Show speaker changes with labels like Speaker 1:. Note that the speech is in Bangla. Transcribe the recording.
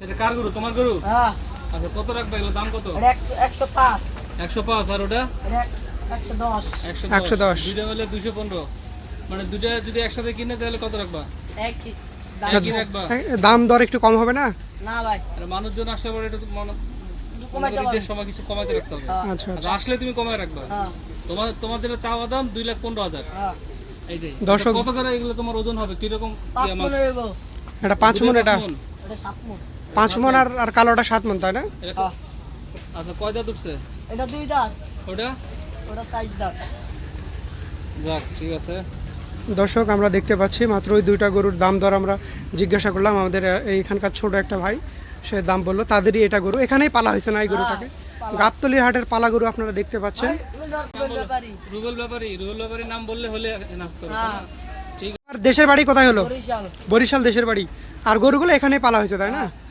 Speaker 1: এটা কার গরু? তোমার গরু?
Speaker 2: হ্যাঁ।
Speaker 1: আচ্ছা কত রাখবে? এগুলো দাম কত?
Speaker 2: 105।
Speaker 1: 105 আর ওটা
Speaker 2: 110।
Speaker 1: 110। দুইটা হলে 215। মানে দুইটা যদি একসাথে কিনে তাহলে কত রাখবা?
Speaker 2: একই
Speaker 1: একই রাখবা?
Speaker 3: দাম দর একটু কম হবে না?
Speaker 2: না ভাই,
Speaker 1: আর মানুষজন আসলে পরে এটা তো
Speaker 2: কমাইতে
Speaker 1: ঈদের
Speaker 2: পারবো।
Speaker 1: সময় কিছু কমাইতে রাখতে হবে।
Speaker 2: হ্যাঁ।
Speaker 3: আচ্ছা
Speaker 1: আচ্ছা, আসলে তুমি কমায় রাখবা।
Speaker 2: হ্যাঁ।
Speaker 1: তোমার যেটা চাওয়া দাম 2,15,000।
Speaker 2: হ্যাঁ।
Speaker 1: এইটাই।
Speaker 3: দর্শক-
Speaker 1: আচ্ছা, কত করে এগুলো তোমার ওজন হবে? কিরকম?
Speaker 2: 5 মন হইব।
Speaker 3: এটা 5 মণ, এটা
Speaker 2: 7 মন।
Speaker 3: 5 মণ আর কালোটা 7 মণ, তাই না?
Speaker 1: এটা আচ্ছা কয় দাঁত উঠছে?
Speaker 2: এটা 2 দাঁত,
Speaker 1: ওটা?
Speaker 2: ওটা 4 দাঁত।
Speaker 1: যাক ঠিক আছে।
Speaker 3: দর্শক আমরা দেখতে পাচ্ছি মাত্র ওই দুইটা গরুর দাম দর আমরা জিজ্ঞাসা করলাম আমাদের এইখানকার ছোট একটা ভাই, সে দাম বললো তাদেরই এটা গরু এখানেই পালা হয়েছে না এই গরুটাকে। গাবতলী হাটের পালা গরু আপনারা দেখতে পাচ্ছেন।
Speaker 1: রুবেল ব্যাপারী নাম বললে হলে নাচতে হবে,
Speaker 2: হ্যাঁ।
Speaker 1: না? ঠিক।
Speaker 3: আর দেশের বাড়ি কোথায় হলো?
Speaker 2: বরিশাল।
Speaker 3: বরিশাল দেশের বাড়ি। আর গরুগুলো এখানেই পালা হয়েছে, তাই না?